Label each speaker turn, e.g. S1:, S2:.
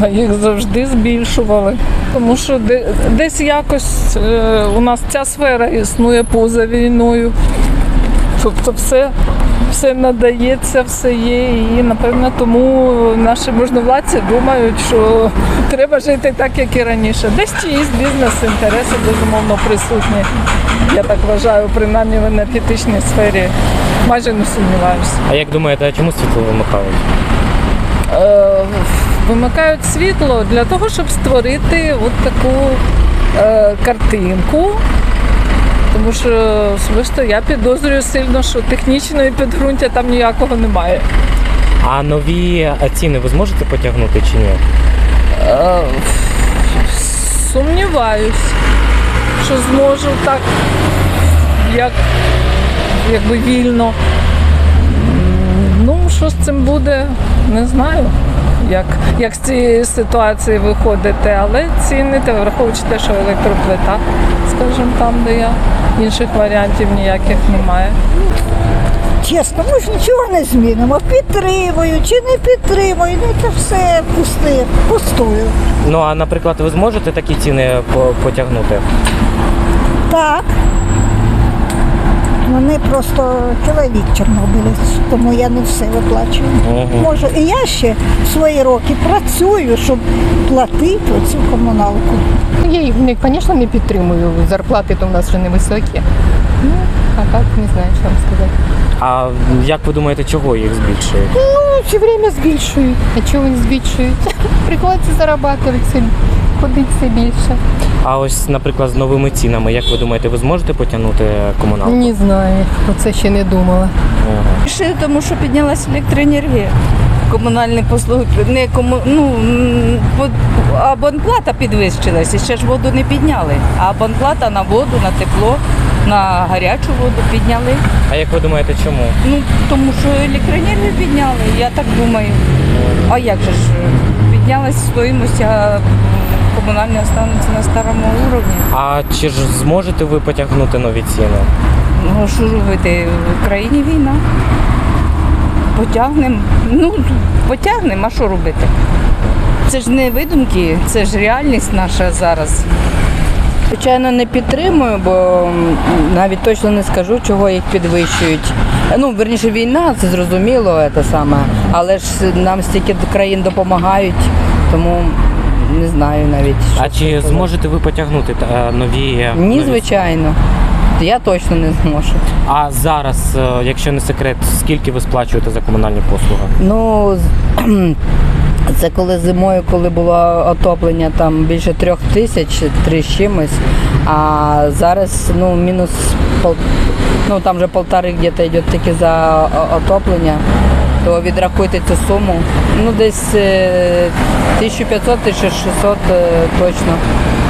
S1: А їх завжди збільшували. Тому що десь якось у нас ця сфера існує поза війною. Тобто все надається, все є. І, напевно, тому наші можновладці думають, що треба жити так, як і раніше. Десь чиїсь бізнес-інтереси, безумовно, присутні. Я так вважаю, принаймні в енергетичній сфері. Майже не сумніваюся.
S2: А як думаєте, а чому світло вимикають?
S1: Вимикають світло для того, щоб створити от таку картинку. Тому що особисто я підозрюю сильно, що технічної підґрунтя там ніякого немає.
S2: А нові ціни ви зможете потягнути чи ні?
S1: Сумніваюсь, що зможу так, якби вільно. Ну, що з цим буде, не знаю, як з цієї ситуації виходити, але ціни, враховуючи те, що електроплита, скажімо, там, де я, інших варіантів ніяких немає.
S3: Чесно, ми ж нічого не змінимо. Підтримую чи не підтримую, ну це все пустую.
S2: Ну, а, наприклад, ви зможете такі ціни потягнути?
S3: Так. Вони просто чоловік чорнобилець, тому я не все виплачую. Можу. І я ще в свої роки працюю, щоб платити оцю комуналку.
S4: Я їх, звісно, не підтримую. Зарплати то в нас вже невисокі. Ну, а так не знаю, що вам сказати.
S2: А як ви думаєте, чого їх збільшують?
S4: Ну, все время збільшують. А чого вони збільшують? Приходиться заробляти, ходить все більше.
S2: А ось, наприклад, з новими цінами, як ви думаєте, ви зможете потягнути комуналку?
S4: Не знаю, про це ще не думала.
S5: Ще тому, що піднялася електроенергія. Комунальні послуги, абонплата підвищилася, ще ж воду не підняли. А абонплата на воду, на тепло, на гарячу воду підняли.
S2: А як ви думаєте, чому?
S5: Ну, тому що електроенергію підняли, я так думаю. А як же ж, піднялась стоїмость, а комунальні остануться на старому рівні.
S2: А чи ж зможете ви потягнути нові ціни?
S5: Ну, що робити, в країні війна. Потягнемо. Ну, потягнемо, а що робити? Це ж не видумки, це ж реальність наша зараз.
S6: Звичайно, не підтримую, бо навіть точно не скажу, чого їх підвищують. Ну, верніше, війна, це зрозуміло, це саме, але ж нам стільки країн допомагають, тому не знаю навіть.
S2: А чи зможете ви потягнути нові?
S6: Ні, звичайно. Я точно не зможу.
S2: А зараз, якщо не секрет, скільки ви сплачуєте за комунальні послуги?
S6: Ну, це коли зимою, коли було отоплення, там більше 3 тисяч, 3 з чимось, а зараз, ну, мінус, ну, там вже 1,5 где-то йде тільки за отоплення, то відрахуйте цю суму, ну, десь 1500-1600 точно.